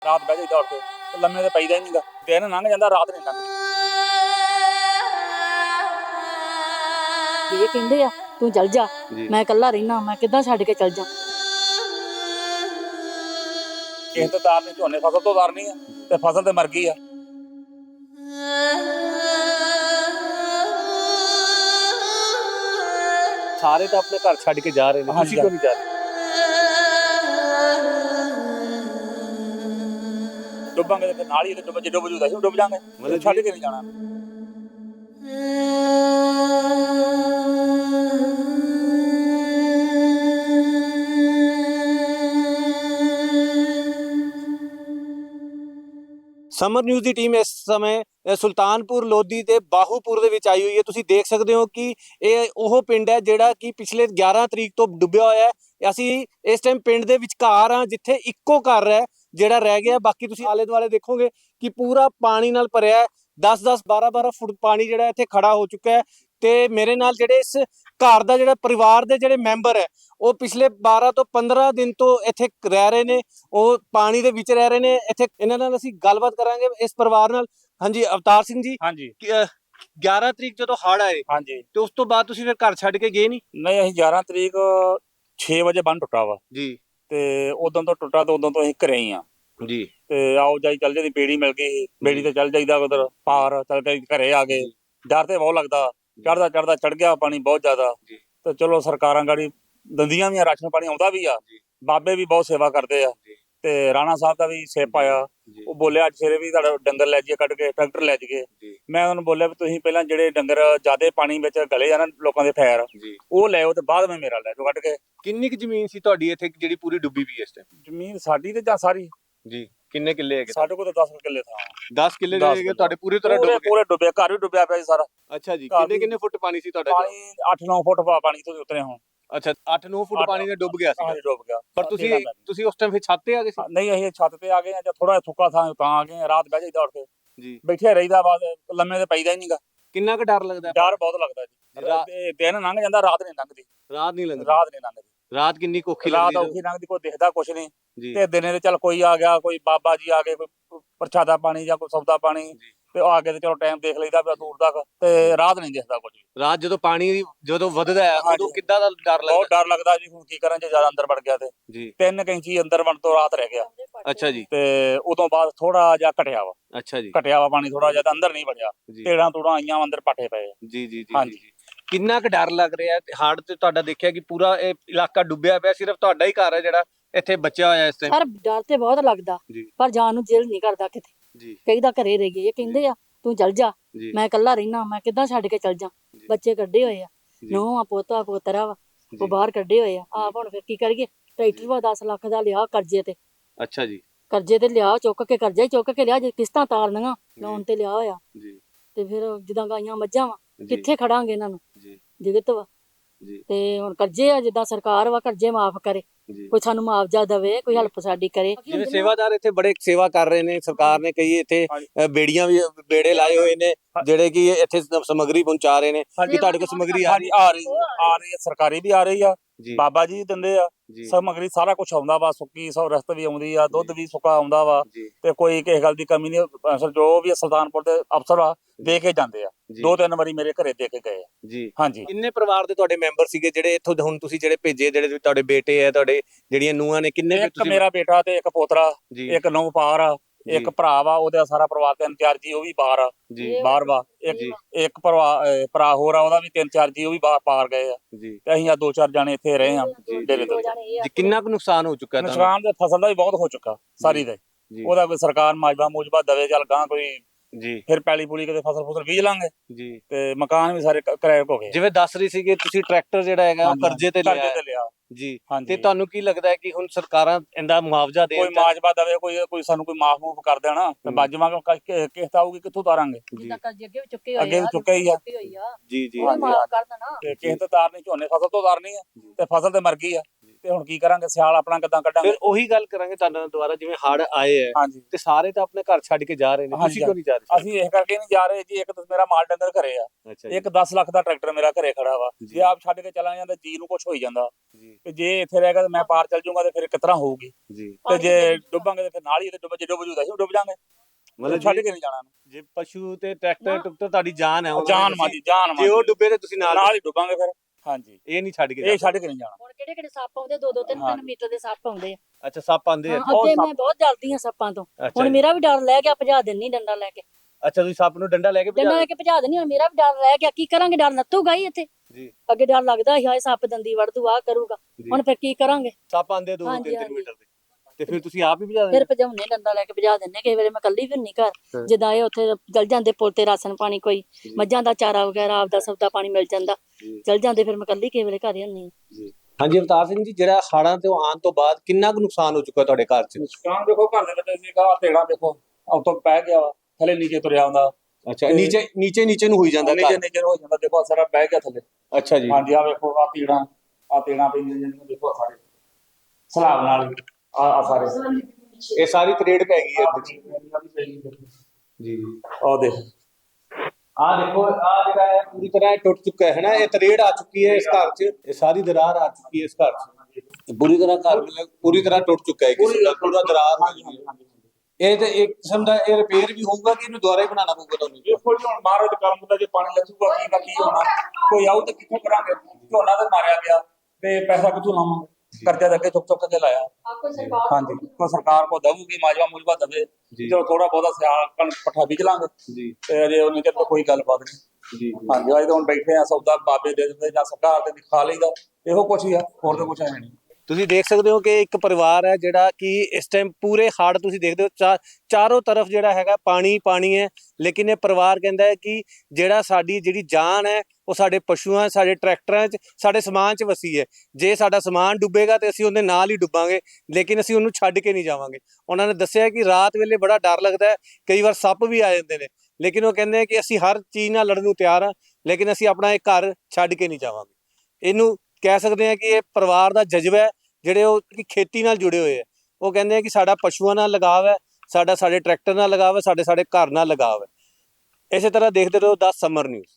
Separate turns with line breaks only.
ਰਾਤ ਬਹਿ ਜਾਈਦਾ ਉੱਠ ਕੇ ਤੇ ਲੰਮੇ ਤੇ ਪਈਦਾ ਹੀ ਨਹੀਂਗਾ। ਦਿਨ ਲੰਘ ਜਾਂਦਾ, ਰਾਤ ਨਹੀਂ ਲੰਘਦੀ।
ਇਹ ਕਹਿੰਦੇ ਆ ਤੂੰ ਚੱਲ ਜਾ, ਮੈਂ ਇਕੱਲਾ ਰਹਿਣਾ, ਮੈਂ ਕਿੱਦਾਂ ਛੱਡ ਕੇ ਚੱਲ ਜਾ।
ਕਿਸੇ ਤੋਂ ਤਾਰਨੀ, ਝੋਨੇ ਫਸਲ ਤੋਂ ਤਾਰਨੀ ਆ ਤੇ ਫਸਲ ਤੇ ਮਰ ਗਈ ਆ।
ਸਾਰੇ ਤਾਂ ਆਪਣੇ ਘਰ ਛੱਡ ਕੇ ਜਾ ਰਹੇ ਨੇ, ਤੁਸੀਂ ਕਿਉਂ ਨਹੀਂ ਜਾ ਰਹੇ?
ਡੁੱਬਾਂਗੇ ਤੇ ਫਿਰ ਨਾਲ ਹੀ ਡੁੱਬ ਜੂਦਾ ਸੀ, ਡੁੱਬ ਜਾਾਂਗੇ, ਛੱਡ ਕੇ ਨਹੀਂ ਜਾਣਾ।
ਸਮਰ ਨਿਊਜ਼ ਦੀ ਟੀਮ ਇਸ ਸਮੇਂ ਸੁਲਤਾਨਪੁਰ ਲੋਧੀ ਦੇ ਬਾਹੂਪੁਰ ਦੇ ਵਿੱਚ ਆਈ ਹੋਈ ਹੈ। ਤੁਸੀਂ ਦੇਖ ਸਕਦੇ ਹੋ ਕਿ ਇਹ ਉਹ ਪਿੰਡ ਹੈ ਜਿਹੜਾ ਕਿ ਪਿਛਲੇ 11 ਤਰੀਕ ਤੋਂ ਡੁੱਬਿਆ ਹੋਇਆ ਹੈ। ਅਸੀਂ ਇਸ ਟਾਈਮ ਪਿੰਡ ਦੇ ਵਿਚਕਾਰ ਹਾਂ, ਜਿੱਥੇ ਇੱਕੋ ਘਰ ਹੈ ਜਿਹੜਾ ਰਹਿ ਗਿਆ। ਬਾਕੀ ਤੁਸੀਂ ਆਲੇ ਦੁਆਲੇ ਦੇਖੋਗੇ ਕਿ ਪੂਰਾ ਪਾਣੀ ਨਾਲ ਭਰਿਆ ਹੈ। 10-10 12-12 ਫੁੱਟ ਪਾਣੀ ਜਿਹੜਾ ਇੱਥੇ ਖੜਾ ਹੋ ਚੁੱਕਾ ਹੈ। ਤੇ ਮੇਰੇ ਨਾਲ ਜਿਹੜੇ ਇਸ ਘਰ ਦਾ ਜਿਹੜਾ ਪਰਿਵਾਰ ਦੇ ਜਿਹੜੇ ਮੈਂਬਰ ਹੈ, ਉਹ ਪਿਛਲੇ 12 ਤੋਂ 15 ਦਿਨ ਤੋਂ ਇੱਥੇ ਰਹਿ ਰਹੇ ਨੇ, ਉਹ ਪਾਣੀ ਦੇ ਵਿੱਚ ਰਹਿ ਰਹੇ ਨੇ। ਇੱਥੇ ਇਹਨਾਂ ਨਾਲ ਅਸੀਂ ਗੱਲਬਾਤ ਕਰਾਂਗੇ, ਇਸ ਪਰਿਵਾਰ ਨਾਲ। ਹਾਂਜੀ ਅਵਤਾਰ ਸਿੰਘ ਜੀ,
ਹਾਂਜੀ
11 ਤਰੀਕ ਜਦੋਂ ਹੜ੍ਹ ਆਏ
ਹਾਂਜੀ
ਤੇ ਉਸ ਤੋਂ ਬਾਅਦ ਤੁਸੀਂ ਫਿਰ ਘਰ ਛੱਡ ਕੇ ਗਏ ਨਹੀਂ?
ਨਹੀਂ, ਅਸੀਂ 11 ਤਰੀਕ 6 ਵਜੇ ਬੰਨ ਟੁੱਟਾ ਵਾ
ਜੀ।
ਤੇ ਉਦੋਂ ਤੋਂ ਟੁੱਟਾ ਤੇ ਉਦੋਂ ਤੋਂ ਅਸੀਂ ਘਰੇ ਹੀ ਆ
ਜੀ।
ਤੇ ਆਓ ਜਾਈ ਚੱਲ ਜਾਂਦੀ, ਬੇੜੀ ਮਿਲ ਗਈ, ਬੇੜੀ ਤੇ ਚੱਲ ਜਾਈਦਾ, ਉਧਰ ਪਾਰ ਚੱਲ ਕੇ ਘਰੇ ਆ ਗਏ। ਡਰ ਤੇ ਬਹੁਤ ਲੱਗਦਾ, ਚੜਦਾ ਚੜ ਗਿਆ ਪਾਣੀ ਬਹੁਤ ਜ਼ਿਆਦਾ। ਤੇ ਚਲੋ ਸਰਕਾਰਾਂ ਗਾੜੀ ਦੰਦੀਆਂ ਵੀ ਆ, ਰਾਸ਼ਨ ਪਾਣੀ ਆਉਂਦਾ ਵੀ ਆ, ਬਾਬੇ ਵੀ ਬਹੁਤ ਸੇਵਾ ਕਰਦੇ ਆ। ਤੇ ਰਾਣਾ ਸਾਹਿਬ ਦਾ ਵੀ ਸਿਪ ਆਇਆ, ਉਹ ਬੋਲਿਆ ਅੱਜ ਸਵੇਰੇ ਵੀ ਤੁਹਾਡਾ ਡੰਗਰ ਲੈ ਜਾਈਏ, ਕੱਢ ਕੇ ਟਰੈਕਟਰ ਲੈ ਜਾਈਏ। ਮੈਂ ਉਹਨੂੰ ਬੋਲਿਆ ਵੀ ਤੁਸੀਂ ਪਹਿਲਾਂ ਜਿਹੜੇ ਡੰਗਰ ਜ਼ਿਆਦੇ ਪਾਣੀ ਵਿੱਚ ਗਲੇ ਆ ਨਾ ਲੋਕਾਂ ਦੇ ਫੈਰ, ਉਹ ਲੈ ਆਓ ਤੇ ਬਾਅਦ ਵਿੱਚ ਮੇਰਾ ਲੈ ਜਾਓ ਕੱਢ ਕੇ।
ਕਿੰਨੀ ਕੁ ਜ਼ਮੀਨ ਸੀ ਤੁਹਾਡੀ ਇੱਥੇ ਜਿਹੜੀ ਪੂਰੀ ਡੁੱਬੀ ਪਈ ਇਸ ਟਾਈਮ?
ਜ਼ਮੀਨ ਸਾਡੀ ਤੇ ਜਾਂ ਸਾਰੀ?
ਜੀ। ਕਿੰਨੇ ਕਿੱਲੇ ਹੈਗੇ?
ਸਾਡੇ ਕੋਲ ਤਾਂ 10 ਕਿੱਲੇ ਥਾਂ।
10 ਕਿੱਲੇ ਜਿਹੜੇ ਤੁਹਾਡੇ ਪੂਰੀ ਤਰ੍ਹਾਂ ਡੁੱਬ ਗਏ?
ਪੂਰੇ ਡੁੱਬਿਆ, ਘਰ ਵੀ ਡੁੱਬਿਆ ਪਿਆ ਜੀ ਸਾਰਾ।
ਅੱਛਾ ਜੀ। ਕਿੰਨੇ ਫੁੱਟ ਪਾਣੀ ਸੀ ਤੁਹਾਡਾ?
ਪਾਣੀ 8-9 ਫੁੱਟ ਪਾਣੀ ਤੋਂ ਉਤਰੇ ਹੁਣ।
ਅੱਛਾ, 8-9 ਫੁੱਟ ਪਾਣੀ ਦੇ ਡੁੱਬ ਗਿਆ ਸੀ?
ਹਾਂਜੀ, ਡੁੱਬ ਗਿਆ।
ਪਰ ਤੁਸੀਂ ਉਸ ਟਾਈਮ ਫਿਰ ਛੱਤ ਤੇ ਆ ਗਏ ਸੀ?
ਨਹੀਂ, ਅਸੀਂ ਛੱਤ ਤੇ ਆ ਗਏ ਆ, ਜਾਂ ਥੋੜਾ ਸੁੱਕਾ ਥਾਂ ਤਾਂ ਆ ਗਏ। ਰਾਤ ਬਹਿ ਜਾਈਦਾ ਉੱਠ ਕੇ
ਜੀ,
ਬੈਠੇ ਰਹੀਦਾ, ਬਾਅਦ ਲੰਮੇ ਤੇ ਪਈਦਾ ਹੀ ਨਹੀਂਗਾ।
ਕਿੰਨਾ ਕੁ ਡਰ ਲੱਗਦਾ?
ਡਰ ਬਹੁਤ ਲੱਗਦਾ ਜੀ। ਦਿਨ ਲੰਘ ਜਾਂਦਾ, ਰਾਤ ਨਹੀਂ ਲੰਘਦੀ।
ਰਾਤ ਨਹੀਂ ਲੰਘਦੀ?
ਰਾਤ ਨਹੀਂ ਲੰਘਦੀ।
ਰਾਤ ਕਿੰਨੀ ਔਖੀ
ਲੱਗਦੀ? ਰਾਤ ਔਖੀ ਲੰਘਦੀ, ਕੋਈ ਦਿਖਦਾ ਕੁਛ ਨਹੀਂ। ਤੇ ਦਿਨੇ ਤੇ ਚੱਲ ਕੋਈ ਆ ਗਿਆ, ਕੋਈ ਬਾਬਾ ਜੀ ਆ ਗਏ, ਕੋਈ ਪ੍ਰਸ਼ਾਦਾ ਪਾਣੀ ਜਾਂ ਕੋਈ ਸੌਦਾ ਪਾਣੀ, ਤੇ ਆ ਕੇ ਤੇ ਚਲੋ ਟਾਈਮ ਦੇਖ ਲਈਦਾ ਪਿਆ ਦੂਰ ਤੱਕ। ਤੇ ਰਾਤ ਨਹੀਂ ਦਿਖਦਾ ਕੁਝ ਵੀ।
ਰਾਤ ਜਦੋਂ ਪਾਣੀ ਵੱਧਦਾ ਹੈ ਉਦੋਂ ਕਿੱਦਾਂ ਦਾ ਡਰ ਲੱਗਦਾ?
ਬਹੁਤ ਡਰ ਲੱਗਦਾ ਜੀ। ਹੁਣ ਕੀ ਕਰਾਂ ਜੇ ਜ਼ਿਆਦਾ ਅੰਦਰ ਵੜ ਗਿਆ ਤੇ।
ਜੀ।
3 ਇੰਚੀ ਅੰਦਰ ਵੜ ਤੋਂ ਰਾਤ ਰਹਿ ਗਿਆ।
ਅੱਛਾ ਜੀ।
ਤੇ ਉਦੋਂ ਬਾਅਦ ਥੋੜਾ ਜਿਹਾ ਘਟਿਆ ਵਾ।
ਅੱਛਾ ਜੀ।
ਘਟਿਆ ਵਾ ਪਾਣੀ ਥੋੜਾ ਜਿਹਾ, ਅੰਦਰ ਨਹੀਂ ਵੜਿਆ। ਤੇੜਾਂ ਤੂੜਾਂ ਆਈਆਂ, ਅੰਦਰ ਪਾਠੇ ਪਏ।
ਜੀ ਜੀ ਜੀ।
ਹਾਂਜੀ।
ਕਿੰਨਾ ਕੁ ਡਰ ਲੱਗ ਰਿਹਾ? ਹੜ੍ਹ ਤੇ ਤੁਹਾਡਾ ਦੇਖਿਆ ਕਿ ਪੂਰਾ ਇਹ ਇਲਾਕਾ ਡੁੱਬਿਆ ਪਿਆ, ਸਿਰਫ ਤੁਹਾਡਾ ਹੀ ਘਰ ਹੈ ਜਿਹੜਾ ਇੱਥੇ ਬਚਿਆ ਹੋਇਆ ਇਸ ਟਾਈਮ।
ਸਰ ਡਰ ਤੇ ਬਹੁਤ ਲੱਗਦਾ, ਪਰ ਜਾਨ ਨੂੰ ਦਿਲ ਨਹੀਂ ਕਰਦਾ ਕਿਤੇ।
ਜੀ।
ਕਈਦਾ ਘਰੇ ਰਹਿ ਗਏ। ਇਹ ਕਹਿੰਦੇ ਆ ਤੂੰ ਚੱਲ ਜਾ, ਮੈਂ ਇਕੱਲਾ ਰਹਿਣਾ, ਮੈਂ ਕਿੱਦਾਂ ਛੱਡ ਕੇ ਚੱਲ ਜਾ। ਬੱਚੇ ਕੱਢੇ ਹੋਏ ਆ, ਨੂੰਹ ਪੋਤਾ ਪੋਤਰਾ ਵਾ, ਉਹ ਬਾਹਰ ਕੱਢੇ ਹੋਏ ਆ। ਆਪ ਹੁਣ ਫਿਰ ਕੀ ਕਰੀਏ? ਟਰੈਕਟਰ ਵਾ 10 ਲੱਖ ਦਾ ਲਿਆ ਕਰਜ਼ੇ ਤੇ।
ਅੱਛਾ ਜੀ।
ਕਰਜ਼ੇ ਤੇ ਲਿਆ, ਚੁੱਕ ਕੇ ਕਰਜ਼ਾ ਹੀ ਚੁੱਕ ਕੇ ਲਿਆ, ਜੇ ਕਿਸ਼ਤਾਂ ਤਾਰਨੀਆਂ ਲੋਨ ਤੇ ਲਿਆ ਹੋਇਆ। ਤੇ ਫਿਰ ਜਿੱਦਾਂ ਗਾਈਆਂ ਮੱਝਾਂ ਵਾ, ਕਿੱਥੇ ਖੜਾਂਗੇ ਇਹਨਾਂ ਨੂੰ? ਜਿਗਤ ਵਾ। ਤੇ ਹੁਣ ਕਰਜ਼ੇ ਆ, ਜਿੱਦਾਂ ਸਰਕਾਰ ਵਾ ਕਰਜ਼ੇ ਮਾਫ ਕਰੇ, ਕੋਈ ਸਾਨੂੰ ਮੁਆਵਜ਼ਾ ਦੇਵੇ, ਕੋਈ ਹੈਲਪ ਸਾਡੀ ਕਰੇ।
ਜਿਵੇਂ ਸੇਵਾਦਾਰ ਇੱਥੇ ਬੜੇ ਸੇਵਾ ਕਰ ਰਹੇ ਨੇ, ਸਰਕਾਰ ਨੇ ਕਈ ਇੱਥੇ ਬੇੜੇ ਲਾਏ ਹੋਏ ਨੇ ਜਿਹੜੇ ਕਿ ਇੱਥੇ ਸਮੱਗਰੀ ਪਹੁੰਚਾ ਰਹੇ ਨੇ। ਕਿ ਤੁਹਾਡੇ ਕੋਲ ਸਮੱਗਰੀ ਆ ਰਹੀ
ਹੈ? ਸਰਕਾਰੀ ਵੀ ਆ ਰਹੀ ਆ, ਬਾਬਾ ਜੀ ਦਿੰਦੇ ਆ ਸਮੱਗਰੀ, ਸਾਰਾ ਕੁਝ ਆਉਂਦਾ ਵਾ। ਸੁੱਕੀ ਰਸਤ ਵੀ ਆਉਂਦੀ ਆ, ਦੁੱਧ ਵੀ ਸੁੱਕਾ ਆਉਂਦਾ ਵਾ। ਤੇ ਕੋਈ ਕਿਸੇ ਗੱਲ ਦੀ ਕਮੀ ਨਹੀਂ। ਜੋ ਵੀ ਸੁਲਤਾਨਪੁਰ ਦੇ ਅਫਸਰ ਆ ਦੇ ਕੇ ਜਾਂਦੇ ਆ। 2-3 ਵਾਰੀ ਮੇਰੇ ਘਰੇ ਦੇ ਕੇ ਗਏ ਆ ਜੀ। ਹਾਂਜੀ।
ਕਿੰਨੇ ਪਰਿਵਾਰ ਦੇ ਤੁਹਾਡੇ ਮੈਂਬਰ ਸੀਗੇ ਜਿਹੜੇ ਇੱਥੋਂ ਹੁਣ ਤੁਸੀਂ ਜਿਹੜੇ ਭੇਜੇ, ਜਿਹੜੇ ਤੁਹਾਡੇ ਬੇਟੇ ਆ, ਤੁਹਾਡੇ ਜਿਹੜੀਆਂ ਨੂੰਹਾਂ ਨੇ? ਕਿੰਨੇ?
ਇੱਕ ਮੇਰਾ ਬੇਟਾ ਤੇ ਇੱਕ ਪੋਤਰਾ, ਇੱਕ ਨੂੰਹ ਪਾਰ ਆ, ਇੱਕ ਭਰਾ ਵਾ, ਉਹਦਾ ਸਾਰਾ ਪਰਿਵਾਰ 3-4 ਜੀ ਉਹ ਵੀ ਬਾਹਰ ਆ, ਬਾਹਰ ਵਾ। ਇੱਕ ਭਰਾ ਹੋਰ ਆ, ਉਹਦਾ ਵੀ 3-4 ਜੀ ਉਹ ਵੀ ਪਾਰ ਗਏ ਆ। ਤੇ ਅਸੀਂ ਆ 2-4 ਜਾਣੇ ਇੱਥੇ ਰਹੇ ਆ ਡੇਰੇ ਤੇ।
ਕਿੰਨਾ ਕੁ ਨੁਕਸਾਨ ਹੋ ਚੁੱਕਾ?
ਨੁਕਸਾਨ ਤੇ ਫਸਲ ਦਾ ਵੀ ਬਹੁਤ ਹੋ ਚੁੱਕਾ ਸਾਰੀ ਦਾ। ਉਹਦਾ ਕੋਈ ਸਰਕਾਰ ਮੁਆਵਜ਼ਾ ਦੇਵੇ, ਚੱਲ ਗਾਂ ਕੋਈ ਫਿਰ ਪੈਲੀ ਪੂਲੀ ਕਿਤੇ ਫਸਲ ਬੀਜ ਲਾਂਗੇ। ਤੇ ਮਕਾਨ ਵੀ ਸਾਰੇ ਕਿਰਾਏ ਹੋ ਗਏ।
ਜਿਵੇਂ ਦੱਸ ਰਹੀ ਸੀ ਕਿ ਤੁਸੀਂ ਟਰੈਕਟਰ ਜਿਹੜਾ ਹੈਗਾ ਉਹ ਕਰਜ਼ੇ ਤੇ
ਲਿਆ
ਜੀ। ਤੇ ਤੁਹਾਨੂੰ ਕੀ ਲੱਗਦਾ ਹੈ ਕਿ ਹੁਣ ਸਰਕਾਰਾਂ ਇਹਦਾ ਮੁਆਵਜ਼ਾ ਦੇਣ?
ਕੋਈ ਮੁਆਵਜ਼ਾ ਦੇਵੇ, ਕੋਈ ਸਾਨੂੰ ਕੋਈ ਮਾਫ ਮੂਫ ਕਰ ਦੇਣਾ ਤੇ ਬਾਜੂਆਂ ਕਿਸ਼ਤ ਆਊਗੀ, ਕਿੱਥੋਂ ਤਾਰਾਂਗੇ?
ਅੱਗੇ ਵੀ ਚੁੱਕੇ ਹੋਏ ਆ,
ਅੱਗੇ ਵੀ ਚੁੱਕੇ ਹੀ ਆ
ਜੀ ਜੀ।
ਮਾਫ ਕਰ ਦੇਣਾ।
ਤੇ ਕਿਸ਼ਤ ਤਾਰਨੀ, ਝੋਨੇ ਫਸਲ ਤੋਂ ਤਾਰਨੀ ਆ ਤੇ ਫਸਲ ਤੇ ਮਰ ਗਈ ਆ। ਤੇ ਹੁਣ ਕੀ ਕਰਾਂਗੇ, ਸਿਆਲ ਆਪਣਾ ਕਿੱਦਾਂ ਕੱਢਾਂਗੇ।
ਫਿਰ ਉਹੀ ਗੱਲ ਕਰਾਂਗੇ ਤੁਹਾਡੇ ਨਾਲ ਦੁਬਾਰਾ, ਜਿਵੇਂ ਹੜ੍ਹ ਆਏ ਹੈ
ਹਾਂਜੀ
ਤੇ ਸਾਰੇ ਤਾਂ ਆਪਣੇ ਘਰ ਛੱਡ ਕੇ ਜਾ ਰਹੇ ਨੇ,
ਹਾਂਜੀ,
ਤੁਸੀਂ ਕਿਉਂ ਨਹੀਂ ਜਾ ਰਹੇ?
ਅਸੀਂ ਇਸ ਕਰਕੇ ਨਹੀਂ ਜਾ ਰਹੇ ਜੀ, ਇੱਕ ਤਾਂ ਮੇਰਾ ਮਾਲ ਡੰਗਰ ਘਰੇ ਆ,
ਅੱਛਾ ਜੀ,
ਇੱਕ 10 ਲੱਖ ਦਾ ਟਰੈਕਟਰ ਮੇਰਾ ਘਰੇ ਖੜਾ ਵਾ।
ਜੀ।
ਜੇ ਆਪ ਛੱਡ ਕੇ ਚਲਾ ਜਾਂਦਾ ਜੀ ਨੂੰ ਕੁਝ ਹੋਈ ਜਾਂਦਾ,
ਜੀ
ਤੇ ਜੇ ਇੱਥੇ ਰਹਿ ਗਿਆ ਤੇ ਮੈਂ ਪਾਰ ਚੱਲ ਜਾਊਂਗਾ ਤੇ ਫਿਰ ਕਿਸ ਤਰ੍ਹਾਂ ਹੋਊਗੀ।
ਜੀ।
ਤੇ ਜੇ ਡੁੱਬਾਂਗੇ ਤੇ ਫਿਰ ਨਾਲ ਹੀ ਤੇ ਡੁੱਬ, ਜੇ ਡੁੱਬ ਜੂਦਾ ਅਸੀਂ ਡੁੱਬ ਜਾਾਂਗੇ,
ਮਤਲਬ
ਛੱਡ ਕੇ ਨਹੀਂ ਜਾਣਾ।
ਜੇ ਪਸ਼ੂ ਤੇ ਟਰੈਕਟਰ ਟੁੱਟਰ ਤੁਹਾਡੀ ਜਾਨ ਹੈ,
ਜਾਨ ਮਾਜੀ, ਜਾਨ
ਜੇ ਉਹ
ਮਾਜੀ,
ਡੁੱਬੇ ਤੇ ਤੁਸੀਂ ਨਾਲ
ਹੀ ਡੁੱਬਾਂਗੇ ਫਿਰ। ਹਾਂਜੀ,
ਇਹ ਨਹੀਂ ਛੱਡ ਕੇ
ਇਹ ਛੱਡ ਕੇ ਨਹੀਂ ਜਾਣਾ।
ਹੁਣ ਕਿਹੜੇ ਕਿਹੜੇ ਸੱਪ ਆਉਂਦੇ, 2-2 3-3 ਮੀਟਰ ਦੇ ਸੱਪ ਆਉਂਦੇ ਆ।
ਅੱਛਾ, ਸੱਪ ਆਂਦੇ ਆ?
ਅੱਗੇ ਮੈਂ ਬਹੁਤ ਡਰਦੀ ਆ ਸੱਪਾਂ ਤੋਂ,
ਅੱਛਾ
ਹੁਣ
ਜੀ।
ਮੇਰਾ ਵੀ ਡਰ ਲੈ ਗਿਆ, ਭਜਾ ਦਿੰਨੀ ਡੰਡਾ ਲੈ ਕੇ।
ਅੱਛਾ, ਤੁਸੀਂ ਸੱਪ ਨੂੰ ਡੰਡਾ ਲੈ ਕੇ
ਡੰਡਾ ਲੈ ਕੇ ਭਜਾ ਦਿੰਨੀ, ਹੁਣ ਮੇਰਾ ਵੀ ਡਰ ਲੈ ਗਿਆ, ਕੀ ਕਰਾਂਗੇ, ਡਰ ਨੱਤੂਗਾ ਹੀ ਇੱਥੇ।
ਜੀ।
ਅੱਗੇ ਡਰ ਲੱਗਦਾ ਸੀ ਹਾਏ ਸੱਪ ਦੰਦੀ ਵੜ ਦੂ, ਆ ਕਰੂਗਾ, ਹੁਣ ਫਿਰ ਕੀ ਕਰਾਂਗੇ।
ਸੱਪ ਆਂਦੇ 2-3
ਹਾਂਜੀ।
ਮੀਟਰ ਦੇ, ਤੇ ਫਿਰ ਤੁਸੀਂ ਆਪ ਹੀ ਭਜਾ
ਫਿਰ
ਦਿੰਦੇ?
ਭਜਾਉਣੇ ਡੰਡਾ ਲੈ ਕੇ ਭਜਾ ਦਿੰਨੇ, ਕਿਸੇ ਵੇਲੇ ਮੈਂ ਕੱਲੀ ਵੀ ਹੁੰਨੀ ਘਰ, ਜਿੱਦਾਂ ਇਹ ਉੱਥੇ ਚਲ ਜਾਂਦੇ ਪੁਲ ਤੇ ਰਾਸ਼ਨ ਪਾਣੀ, ਕੋਈ ਮੱਝਾਂ ਦਾ ਚਾਰਾ ਵਗੈਰਾ ਆਪਦਾ ਸਬਦਾ ਪਾਣੀ ਮਿਲ ਜਾਂਦਾ, ਚਲ ਜਾਂਦੇ, ਫਿਰ ਮੈਂ ਕੱਲੀ ਕਿਸੇ ਵੇਲੇ ਘਰ ਹੀ ਹੁੰਨੀ।
ਹਾਂਜੀ ਅਵਤਾਰ ਸਿੰਘ ਜੀ, ਜਿਹੜਾ ਹੜ੍ਹਾਂ ਤੋਂ ਆਉਣ ਤੋਂ ਬਾਅਦ ਕਿੰਨਾ ਕੁ ਨੁਕਸਾਨ ਹੋ ਚੁੱਕਾ ਤੁਹਾਡੇ ਘਰ 'ਚ?
ਨੁਕਸਾਨ ਦੇਖੋ, ਘਰ ਦੇ ਵਿੱਚ ਸੀਗਾ ਤੇੜਾ, ਦੇਖੋ ਉੱਤੋਂ ਪੈ ਗਿਆ ਵਾ, ਥੱਲੇ ਨੀਚੇ ਤੁਰਿਆ ਆਉਂਦਾ।
ਅੱਛਾ, ਨੀਚੇ ਨੂੰ ਹੋਈ ਜਾਂਦਾ
ਨੀਚੇ
ਘਰ?
ਨੀਚੇ ਹੋ ਜਾਂਦਾ, ਦੇਖੋ ਸਾਰਾ ਪੈ ਗਿਆ ਥੱਲੇ।
ਅੱਛਾ ਜੀ।
ਹਾਂਜੀ, ਆ ਵੇਖੋ, ਆ ਤੀੜਾਂ ਪੈਂਦੀਆਂ ਜਿਹੜੀਆਂ, ਦੇਖੋ ਸਾਰੇ ਸਲਾਬ ਨਾਲ ਆ ਸਾਰੇ,
ਇਹ ਸਾਰੀ ਤਰੇੜ ਪੈ ਗਈ ਹੈ ਜੀ।
ਉਹ ਦੇਖ,
ਆਹ ਦੇਖੋ, ਆਹ ਜਿਹੜਾ ਹੈ ਪੂਰੀ ਤਰ੍ਹਾਂ ਟੁੱਟ ਚੁੱਕਾ ਹੈ ਨਾ, ਇਹ ਤਰੇੜ ਆ ਚੁੱਕੀ ਹੈ ਇਸ ਘਰ 'ਚ, ਇਹ ਸਾਰੀ ਦਰਾਰ ਆ ਚੁੱਕੀ ਹੈ ਇਸ ਘਰ 'ਚ, ਪੂਰੀ ਤਰ੍ਹਾਂ ਘਰ ਪੂਰੀ ਤਰ੍ਹਾਂ ਟੁੱਟ ਚੁੱਕਾ ਹੈ, ਕਿਸੇ ਦਾ ਪੂਰਾ ਦਰਾਰ ਹੋ ਗਈ ਹੈ। ਇਹ ਤੇ ਇੱਕ ਕਿਸਮ ਦਾ ਇਹ ਰਿਪੇਅਰ ਵੀ ਹੋਊਗਾ ਕਿ ਇਹਨੂੰ ਦੁਬਾਰਾ ਹੀ ਬਣਾਉਣਾ ਪਊਗਾ ਤੁਹਾਨੂੰ?
ਦੇਖੋ ਜੀ, ਹੁਣ ਮਹਾਰਾਜ ਕਰਮ ਦਾ, ਜੇ ਪਾਣੀ ਲੱਗੂਗਾ ਕੀ ਦਾ ਕੀ ਹੋਣਾ, ਕੋਈ ਆਊ ਤਾਂ ਕਿੱਥੋਂ ਕਰਾਂਗੇ, ਝੋਨਾ ਤੇ ਮਾਰਿਆ ਗਿਆ ਤੇ ਪੈਸਾ ਕਿੱਥੋਂ ਲਾਵਾਂਗੇ, ਕਰਜ਼ਾ ਦੇ ਅੱਗੇ ਚੁੱਕ ਕੇ ਲਾਇਆ। ਹਾਂਜੀ, ਕੋਈ ਸਰਕਾਰ ਕੋ ਦਊਗੀ, ਮਾਜਵਾ ਮੁਜਵਾ ਦਵੇ, ਚਲੋ ਥੋੜਾ ਬਹੁਤਾ ਸਿਆਲ ਕਣਕ ਪੱਠਾ ਬੀਜ ਲਾਂਗੇ
ਜੀ।
ਤੇ ਅਜੇ ਉਹਨੇ ਚਿਰ ਕੋਈ ਗੱਲਬਾਤ ਨਹੀਂ।
ਜੀ।
ਹਾਂਜੀ, ਅੱਜ ਤਾਂ ਹੁਣ ਬੈਠੇ ਆ, ਸੌਦਾ ਬਾਬੇ ਦੇ ਦਿੰਦੇ ਜਾਂ ਸਰਕਾਰ ਤੇ ਖਾ ਲਈਦਾ, ਇਹੋ ਕੁਛ ਹੀ ਆ, ਹੋਰ ਤਾਂ ਕੁਛ ਹੈ ਨਹੀਂ।
ਤੁਸੀਂ ਦੇਖ ਸਕਦੇ ਹੋ ਕਿ ਇੱਕ ਪਰਿਵਾਰ ਹੈ ਜਿਹੜਾ ਕਿ ਇਸ ਟਾਈਮ ਪੂਰੇ ਹੜ੍ਹ, ਤੁਸੀਂ ਦੇਖਦੇ ਹੋ ਚਾਰੋਂ ਤਰਫ ਜਿਹੜਾ ਹੈਗਾ ਪਾਣੀ ਹੈ, ਲੇਕਿਨ ਇਹ ਪਰਿਵਾਰ ਕਹਿੰਦਾ ਹੈ ਕਿ ਜਿਹੜਾ ਸਾਡੀ ਜਿਹੜੀ ਜਾਨ ਹੈ ਉਹ ਸਾਡੇ ਪਸ਼ੂਆਂ, ਸਾਡੇ ਟਰੈਕਟਰਾਂ 'ਚ, ਸਾਡੇ ਸਮਾਨ 'ਚ ਵਸੀ ਹੈ। ਜੇ ਸਾਡਾ ਸਮਾਨ ਡੁੱਬੇਗਾ ਤੇ ਅਸੀਂ ਉਹਦੇ ਨਾਲ ਹੀ ਡੁੱਬਾਂਗੇ, ਲੇਕਿਨ ਅਸੀਂ ਉਹਨੂੰ ਛੱਡ ਕੇ ਨਹੀਂ ਜਾਵਾਂਗੇ। ਉਹਨਾਂ ਨੇ ਦੱਸਿਆ ਕਿ ਰਾਤ ਵੇਲੇ ਬੜਾ ਡਰ ਲੱਗਦਾ ਹੈ, ਕਈ ਵਾਰ ਸੱਪ ਵੀ ਆ ਜਾਂਦੇ ਨੇ, ਲੇਕਿਨ ਉਹ ਕਹਿੰਦੇ ਕਿ ਅਸੀਂ ਹਰ ਚੀਜ਼ ਨਾਲ ਲੜਨ ਨੂੰ ਤਿਆਰ ਹਾਂ, ਲੇਕਿਨ ਅਸੀਂ ਆਪਣਾ ਇਹ ਘਰ ਛੱਡ ਕੇ ਨਹੀਂ ਜਾਵਾਂਗੇ। ਇਹਨੂੰ ਕਹਿ ਸਕਦੇ ਹਾਂ ਕਿ ਇਹ ਪਰਿਵਾਰ ਦਾ ਜਜ਼ਬਾ ਹੈ, ਜਿਹੜੇ ਉਹ ਖੇਤੀ ਨਾਲ ਜੁੜੇ ਹੋਏ ਆ। ਉਹ ਕਹਿੰਦੇ ਆ ਕਿ ਸਾਡਾ ਪਸ਼ੂਆਂ ਨਾਲ ਲਗਾਵ ਹੈ, ਸਾਡੇ ਟਰੈਕਟਰ ਨਾਲ ਲਗਾਵ ਹੈ, ਸਾਡੇ ਘਰ ਨਾਲ ਲਗਾਵ ਹੈ। ਇਸੇ ਤਰ੍ਹਾਂ ਦੇਖਦੇ ਰਹੋ 10 ਸਮਰ ਨਿਊਜ਼।